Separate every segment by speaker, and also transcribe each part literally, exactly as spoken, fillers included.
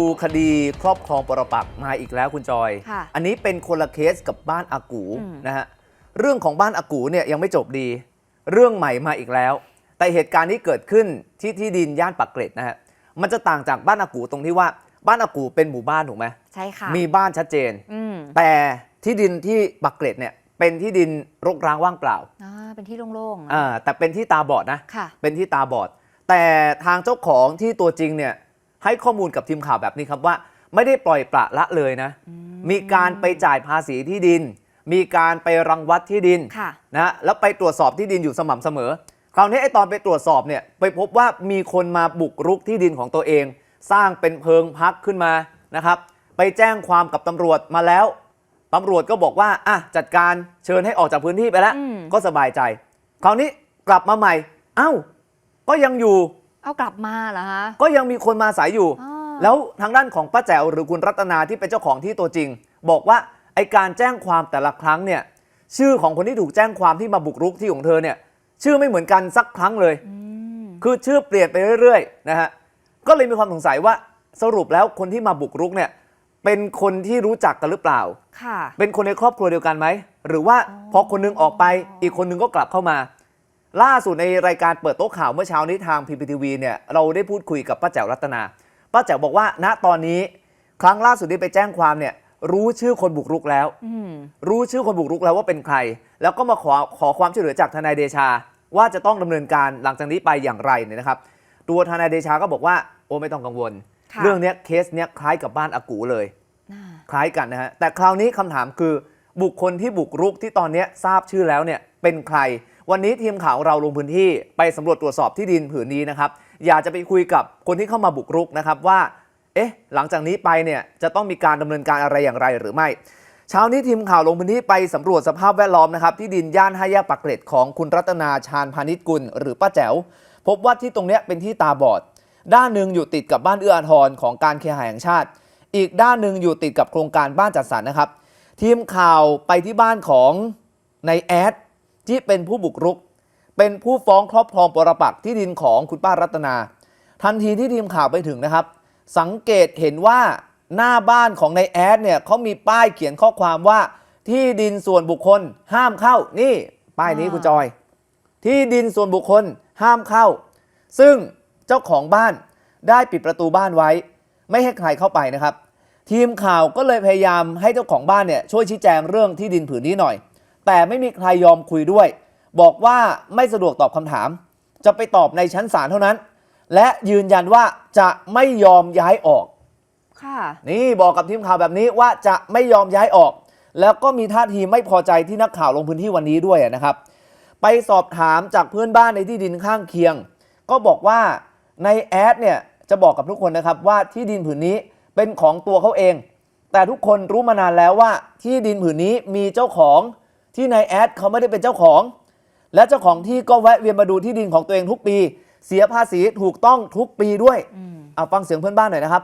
Speaker 1: คดีครอบครองปรปักษ์มาอีกแล้วคุณจอยอันนี้เป็นคนละเคสกับบ้านอากูนะฮะเรื่องของบ้านอากูเนี่ยยังไม่จบดีเรื่องใหม่มาอีกแล้วแต่เหตุการณ์นี้เกิดขึ้นที่ที่ดินย่านปากเกร็ดนะฮะมันจะต่างจากบ้านอากูตรงที่ว่าบ้านอากูเป็นหมู่บ้านถูกไหมใช่ค่ะมีบ้านชัดเจนแต่ที่ดินที่ปากเกร็ดเนี่ยเป็นที่ดินรกร้างว่างเปล่าอ่าเป็นที่โล่งๆอ่าแต่เป็นที่ตาบอดนะเป็นที่ตาบอดแต่ทางเจ้าของที่ตัวจริงเนี่ยให้ข้อมูลกับทีมข่าวแบบนี้ครับว่าไม่ได้ปล่อยปละละเลยนะมีการไปจ่ายภาษีที่ดินมีการไปรังวัดที่ดินนะแล้วไปตรวจสอบที่ดินอยู่สม่ำเสมอคราวนี้ไอ้ตอนไปตรวจสอบเนี่ยไปพบว่ามีคนมาบุกรุกที่ดินของตัวเองสร้างเป็นเพิงพักขึ้นมานะครับไปแจ้งความกับตำรวจมาแล้วตำรวจก็บอกว่าอ่ะจัดการเชิญให้ออกจากพื้นที่ไปแล้วก็สบายใจคราวนี้กลับมาใหม่เอ้าก็ยังอยู่เอากลับมาเหรอฮะก็ยังมีคนมาอาศัยอยู่แล้วทางด้านของป้าแจ๋วหรือคุณรัตนาที่เป็นเจ้าของที่ตัวจริงบอกว่าไอการแจ้งความแต่ละครั้งเนี่ยชื่อของคนที่ถูกแจ้งความที่มาบุกรุกที่ของเธอเนี่ยชื่อไม่เหมือนกันสักครั้งเลยคือชื่อเปลี่ยนไปเรื่อยๆนะฮะก็เลยมีความสงสัยว่าสรุปแล้วคนที่มาบุกรุกเนี่ยเป็นคนที่รู้จักกันหรือเปล่าค่ะเป็นคนในครอบครัวเดียวกันไหมหรือว่าพอคนนึงออกไปอีกคนนึงก็กลับเข้ามาล่าสุดในรายการเปิดโต๊ะข่าวเมื่อเช้านี้ทาง พี พี ที วี เนี่ยเราได้พูดคุยกับป้าแจ๋วรัตนาป้าแจ๋วบอกว่าณตอนนี้ครั้งล่าสุดที่ไปแจ้งความเนี่ยรู้ชื่อคนบุกรุกแล้วรู้ชื่อคนบุกรุกแล้วว่าเป็นใครแล้วก็มาขอขอความช่วยเหลือจากทนายเดชาว่าจะต้องดำเนินการหลังจากนี้ไปอย่างไรเนี่ยนะครับตัวทนายเดชาก็บอกว่าโอ้ไม่ต้องกังวลเรื่องนี้เคสเนี้ยคล้ายกับบ้านอากูเลยคล้ายกันนะฮะแต่คราวนี้คำถามคือบุคคลที่บุกรุกที่ตอนนี้ทราบชื่อแล้วเนี่ยเป็นใครวันนี้ทีมข่าวเราลงพื้นที่ไปสำรวจตรวจสอบที่ดินผืนนี้นะครับอยากจะไปคุยกับคนที่เข้ามาบุกรุกนะครับว่าเอ๊ะหลังจากนี้ไปเนี่ยจะต้องมีการดำเนินการอะไรอย่างไรหรือไม่เช้านี้ทีมข่าวลงพื้นที่ไปสำรวจสภาพแวดล้อมนะครับที่ดินย่านห้าแยกปากเกร็ดของคุณรัตนาชาญพานิชกุลหรือป้าแจ๋วพบว่าที่ตรงนี้เป็นที่ตาบอดด้านหนึ่งอยู่ติดกับบ้านเอื้ออาทรของการเคหะแห่งชาติอีกด้านหนึ่งอยู่ติดกับโครงการบ้านจัดสรรนะครับทีมข่าวไปที่บ้านของนายแอดที่เป็นผู้บุกรุกเป็นผู้ฟ้องครอบครองปรปักษ์ที่ดินของคุณป้ารัตนาทันทีที่ทีมข่าวไปถึงนะครับสังเกตเห็นว่าหน้าบ้านของนายแอดเนี่ยเขามีป้ายเขียนข้อความว่าที่ดินส่วนบุคคลห้ามเข้านี่ป้ายนี้คุณจอยที่ดินส่วนบุคคลห้ามเข้าซึ่งเจ้าของบ้านได้ปิดประตูบ้านไว้ไม่ให้ใครเข้าไปนะครับทีมข่าวก็เลยพยายามให้เจ้าของบ้านเนี่ยช่วยชี้แจงเรื่องที่ดินผืนนี้หน่อยแต่ไม่มีใครยอมคุยด้วยบอกว่าไม่สะดวกตอบคำถามจะไปตอบในชั้นศาลเท่านั้นและยืนยันว่าจะไม่ยอมย้ายออกค่ะนี่บอกกับทีมข่าวแบบนี้ว่าจะไม่ยอมย้ายออกแล้วก็มีท่าทีไม่พอใจที่นักข่าวลงพื้นที่วันนี้ด้วยนะครับไปสอบถามจากเพื่อนบ้านในที่ดินข้างเคียงก็บอกว่าในแอดเนี่ยจะบอกกับทุกคนนะครับว่าที่ดินผืนนี้เป็นของตัวเขาเองแต่ทุกคนรู้มานานแล้วว่าที่ดินผืนนี้มีเจ้าของที่นายแอดเขาไม่ได้เป็นเจ้าของและเจ้าของที่ก็แวะเวียนมาดูที่ดินของตัวเองทุกปีเสียภาษีถูกต้องทุกปีด้วยเอาฟังเสียงเพื่อนบ้านหน่อยนะครับ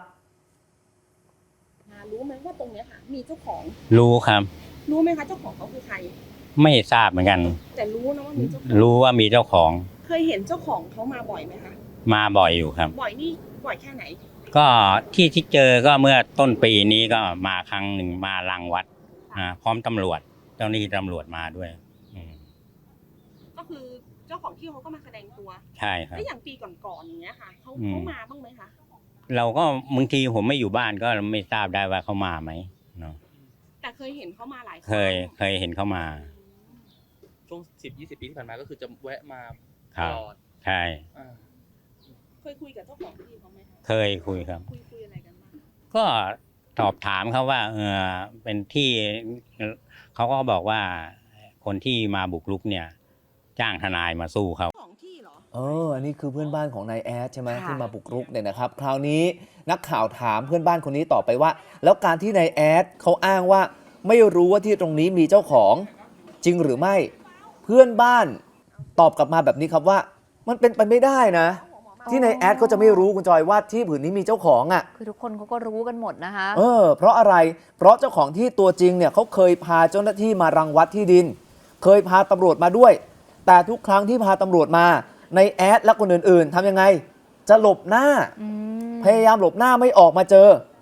Speaker 2: รู้ไหมว่าตรงนี้ค่ะมีเจ้าของ
Speaker 3: รู้ครับ
Speaker 2: รู้ไหมคะเจ้าของเขาคือใคร
Speaker 3: ไม่ทราบเหมือนกัน
Speaker 2: แต่รู้นะว่ามีเจ้าของ
Speaker 3: รู้ว่ามีเจ้าของ
Speaker 2: เคยเห็นเจ้าของเขามาบ่อยไหมคะ
Speaker 3: มาบ่อยอยู่ครับ
Speaker 2: บ่อยนี่บ่อยแค่ไหน
Speaker 3: ก็ที่ที่เจอก็เมื่อต้นปีนี้ก็มาครั้งหนึ่งมารังวัดอ่าพร้อมตำรวจเจ้าหน้าที่ตำรวจมาด้วย
Speaker 2: ก็คือเจ้าของที่เขาก็มาแสดงตัว
Speaker 3: ใช่ครับ
Speaker 2: แล้วอย่างปีก่อนๆอย่างเงี้ยค่ะเขาเขามาบ้างไหมคะ
Speaker 3: เราก็บางทีผมไม่อยู่บ้านก็ไม่ทราบได้ว่าเขามาไหมเนาะ
Speaker 2: แต่เคยเห็นเขามาหลาย
Speaker 3: เคยเคยเห็นเขามา
Speaker 4: ช่วงสิบยี่สิบปีที่ผ่านมาก็คือจะแวะมาตลอด
Speaker 3: ใช่
Speaker 2: เคยคุยกับเจ้าของที่เขาไหมคะ
Speaker 3: เคยคุยครับ
Speaker 2: คุยคุยอะไรกันบ้าง
Speaker 3: ก็สอบถามเขาว่าเออเป็นที่เขาก็บอกว่าคนที่มาบุกรุกเนี่ยจ้างทนายมาสู้เขา
Speaker 2: ของที่เหรอ
Speaker 1: เอออันนี้คือเพื่อนบ้านของนายแอดใช่ไหมที่มาบุกรุกเนี่ยนะครับคราวนี้นักข่าวถามเพื่อนบ้านคนนี้ต่อไปว่าแล้วการที่นายแอดเขาอ้างว่าไม่รู้ว่าที่ตรงนี้มีเจ้าของจริงหรือไม่เพื่อนบ้านตอบกลับมาแบบนี้ครับว่ามันเป็นไปไม่ได้นะที่นายแอดเขาจะไม่รู้คุณจอยว่าที่ผืนนี้มีเจ้าของอ่ะ
Speaker 5: คือทุกคนเขาก็รู้กันหมดนะคะ
Speaker 1: เออเพราะอะไรเพราะเจ้าของที่ตัวจริงเนี่ยเขาเคยพาเจ้าหน้าที่มารังวัดที่ดินเคยพาตำรวจมาด้วยแต่ทุกครั้งที่พาตำรวจมาในแอดและคนอื่นๆทำยังไงจะหลบหน้าพยายามหลบหน้าไม่ออกมาเจอ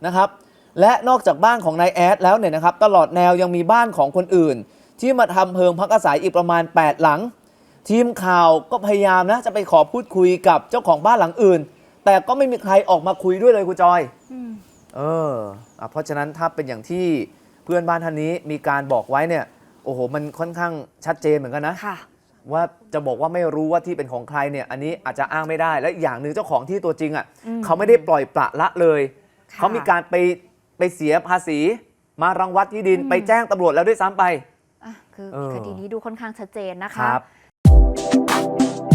Speaker 1: นะครับและนอกจากบ้านของนายแอดแล้วเนี่ยนะครับตลอดแนวยังมีบ้านของคนอื่น ที่มาทำเพิงพักอาศัยอีกประมาณแปดหลังทีมข่าวก็พยายามนะจะไปขอพูดคุยกับเจ้าของบ้านหลังอื่น แต่ก็ไม่มีใครออกมาคุยด้วยเลยคุณจอยเอออ่ะเพราะฉะนั้นถ้าเป็นอย่างที่เพื่อนบ้านท่านนี้มีการบอกไว้เนี่ยโอ้โหมันค่อนข้างชัดเจนเหมือนกันนะว่าจะบอกว่าไม่รู้ว่าที่เป็นของใครเนี่ยอันนี้อาจจะอ้างไม่ได้และอีกอย่างหนึ่งเจ้าของที่ตัวจริงอ่ะเขาไม่ได้ปล่อยปละละเลยเขามีการไปไปเสียภาษีมารังวัดที่ดินไปแจ้งตำรวจแล้วด้วยซ้ำไป
Speaker 5: คือคดีนี้ดูค่อนข้างชัดเจนนะคะ
Speaker 1: ครับ